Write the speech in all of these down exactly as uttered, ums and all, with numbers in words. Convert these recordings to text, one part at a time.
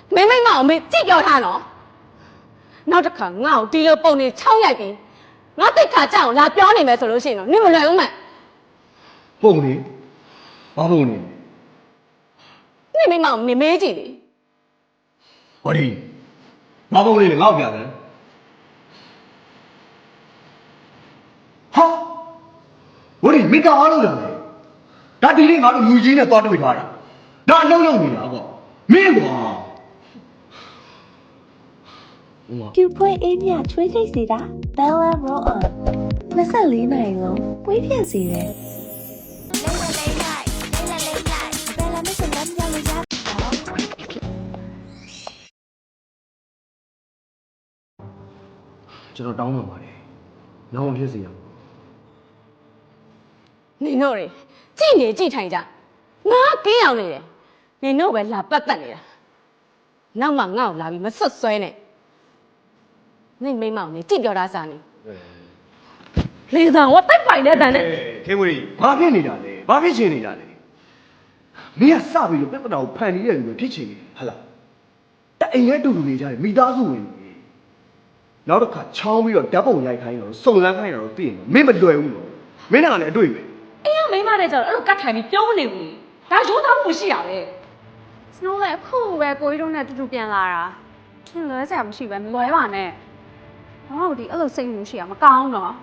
မင်းမိမအောင်မေးကြည့်ပြောထားနော်နောက်တစ်ခါငါ့ကိုဒီလိုပုံနေချောင်းရိုက်ပြီးငါတိတ်ခါကြအောင်လာပြောနေမယ်ဆိုလို့ရှိရင်တော့နင်မလွယ်ဘူးမပုံနေဘာပုံနေနင်မိမအောင်မေးမေးကြည့်လေဟောဒီဘာပုံနေလဲငါ့ကိုပြတယ်ဟာဟောဒီမိကောင်းလို့လားဒါဒီနေ့ငါတို့လူကြီးနဲ့သွားတွေ့ထားတာဒါအလုံးလုံးနေတာပေါ့မင်းကွာပြူဖွဲအေးမြချွေးချိတ်စီတာ Bella Roll On နှစ်ဆလေးနိုင်လုံးပွေးပြက်စီတယ်ကျွန်တော်တောင်းပန်ပါတယ်နောက်မဖြစ်စေရဘူးနင်တို့တွေကြည့်နေကြည့်ထိုင်ကြငါကင်းအောင်နေတယ်နင်တို့ပဲလာပတ်သက်နေတာနောက်မှငါ့ကိုလာပြီးမဆွတ်ဆွဲနဲ့နင်မိမအောင်နေကြည့်ပြောတာစားနေလေသာဝတ်တိုက်ပိုင်တဲ့တန်နဲ့ခင်မွေဘာဖြစ်နေတာလဲဘာဖြစ်ချင်နေတာလဲမင်းကစပြီးတော့ပြဿနာကိုဖန်နေတဲ့လူပဲဖြစ်ချင်တယ်ဟလားတအိမ်ရဲ့တူတူနေကြတယ်မိသားစုဝင်နေနောက်တစ်ခါချောင်းပြီးတော့ဓာတ်ပုံရိုက်ခိုင်းတော့စုံစမ်းခိုင်းတော့သိရင်မင်းမလွယ်ဘူးနော်မင်းကလည်းအတွေ့ပဲအေးမိမတဲ့ကျတော့အဲ့လိုကတ်ထိုင်ပြီးပြောနေဘူးဒါရိုးသားမှုရှိရပဲစနိုးလည်းအခုပဲကိုကြီးတို့နဲ့တူတူပြန်လာတာထင်လွဲစရာမရှိပဲမလွဲပါနဲ့ဘာလို့ဒီအဲ့လိုစိတ်မှုရှိရမကောင်းတော့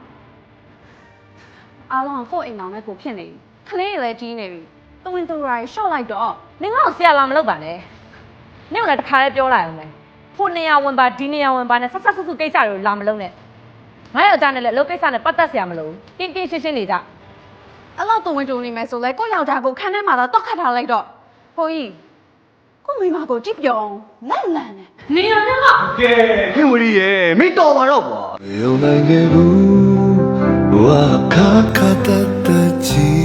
အားလုံးကကိုယ့်အိမ်တော်နဲ့ကိုဖြစ်နေပြီခလေးတွေလည်းကြီးနေပြီတဝင်းတူရိုင်းရှော့လိုက်တော့နင်ကဆရာလာမလုပ်ပါနဲ့နင်ကလည်းတခါလေးပြောလိုက်အောင်မယ်ဖို့နေရဝင်ပါဒီနေရဝင်ပါနဲ့ဆက်ဆက်ဆုစုကိစ္စတွေကိုလာမလုပ်နဲ့ငါယောက်ျားနဲ့လည်းအလုပ်ကိစ္စနဲ့ပတ်သက်ဆရာမလို့တင်းတင်းရှင်းရှင်းနေကြအဲ့လောက်တဝင်းတူနေမယ်ဆိုလဲကိုယောက်ျားကိုခန်းထဲမှာတော့တောက်ခတ်ထားလိုက်တော့ဟိုကြီးကိုမိမကိုကြည့်ပြောင်းလန့်လန့်နဲ့နေရတဲ့ကကဲခင်ဝရီရဲ့မင်းတော်ပါတော့ကွာ有那个路，我卡卡哒哒记。